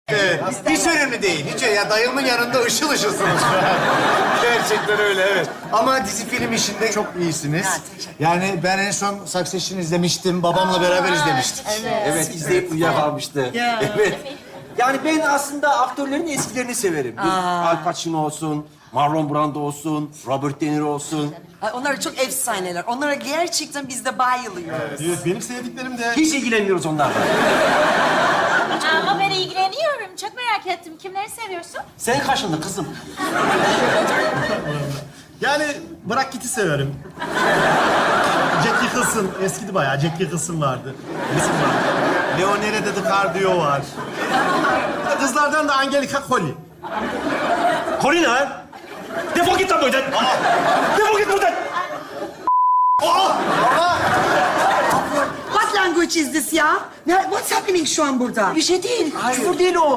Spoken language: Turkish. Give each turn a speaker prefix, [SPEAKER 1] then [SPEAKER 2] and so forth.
[SPEAKER 1] Evet, hiç önemli değil. Hiç ya dayımın yanında ışıl ışılsınız şu an. Gerçekten öyle, evet. Ama dizi film işinde çok iyisiniz. Yani ben en son Succession izlemiştim. Babamla beraber izlemiştik.
[SPEAKER 2] Evet, izleyip uyuyakalmıştı. Evet. Yani ben aslında aktörlerin eskilerini severim. Al Pacino olsun, Marlon Brando olsun, Robert De Niro olsun.
[SPEAKER 3] Ay, onlar çok efsaneler. Onlara gerçekten biz de bayılıyoruz.
[SPEAKER 4] Evet, benim sevdiklerim de...
[SPEAKER 2] Hiç ilgilenmiyoruz onlarla.
[SPEAKER 5] Ama ben ilgileniyorum. Çok merak ettim. Kimleri seviyorsun?
[SPEAKER 2] Sen kaşındı kızım.
[SPEAKER 4] Yani bırak giti severim. Jack Nicholson, eskidi bayağı. Jack Nicholson vardı. Bizim var. Leonardo DiCaprio var. Kızlardan da Angelica Colli.
[SPEAKER 2] Colin ha? Defol git lan buradan. Defol git buradan.
[SPEAKER 3] What language is this ya? What's happening şu an burada?
[SPEAKER 2] Bir şey değil. Küfür değil o.